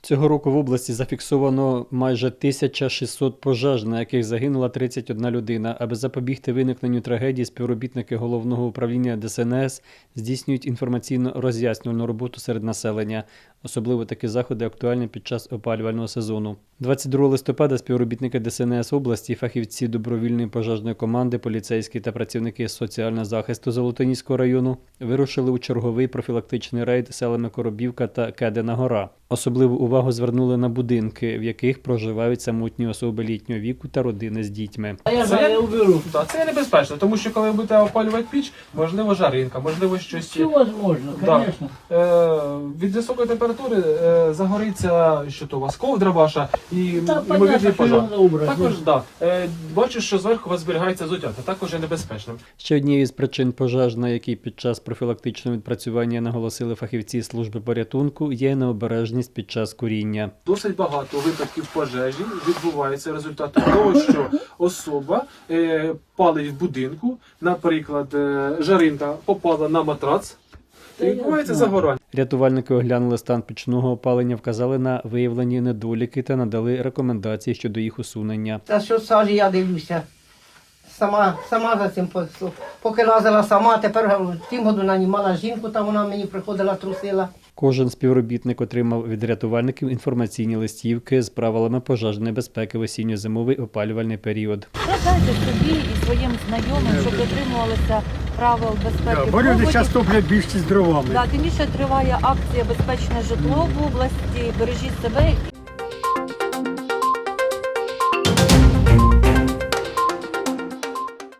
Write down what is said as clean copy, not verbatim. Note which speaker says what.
Speaker 1: Цього року в області зафіксовано майже 1600 пожеж, на яких загинула 31 людина. Аби запобігти виникненню трагедії, співробітники Головного управління ДСНС здійснюють інформаційно-роз'яснювальну роботу серед населення. Особливо такі заходи актуальні під час опалювального сезону. 22 листопада співробітники ДСНС області, фахівці добровільної пожежної команди, поліцейські та працівники соціального захисту Золотоніського району вирушили у черговий профілактичний рейд селами Коробівка та Кедина Гора. Особливу увагу звернули на будинки, в яких проживають самотні особи літнього віку та родини з дітьми.
Speaker 2: Це уберу. Так, це небезпечно, тому що коли ви будете опалювати піч, можливо жаринка, можливо щось.
Speaker 3: Все возможно, конечно.
Speaker 2: Від високої температури загориться, що то у вас ковдра ваша і
Speaker 3: Та,
Speaker 2: ймовірний
Speaker 3: понятно,
Speaker 2: пожар.
Speaker 3: що треба убрати.
Speaker 2: Також, да. Бачу, що зверху у вас зберігається взуття, це також є небезпечним.
Speaker 1: Ще однією з причин пожеж, на які під час профілактичного відпрацювання наголосили фахівці служби порятунку, є необережність під час куріння.
Speaker 2: Досить багато випадків пожежі відбувається результатом того, що особа палить в будинку, наприклад, жаринка попала на матрац, і відбувається загорання.
Speaker 1: Рятувальники оглянули стан пічного опалення, вказали на виявлені недоліки та надали рекомендації щодо їх усунення.
Speaker 4: Та що сажі я дивлюся. Сама за цим поки лазила сама, тепер в тім году нанімала жінку, там вона мені приходила, трусила.
Speaker 1: Кожен співробітник отримав від рятувальників інформаційні листівки з правилами пожежної безпеки в осінньо-зимовий опалювальний період.
Speaker 5: Радайте собі і своїм знайомим, щоб дотримувалися правил безпеки.
Speaker 6: Бо люди зараз топлять більше з дровами.
Speaker 5: Тим більше триває акція «Безпечне житло» в області. Бережіть себе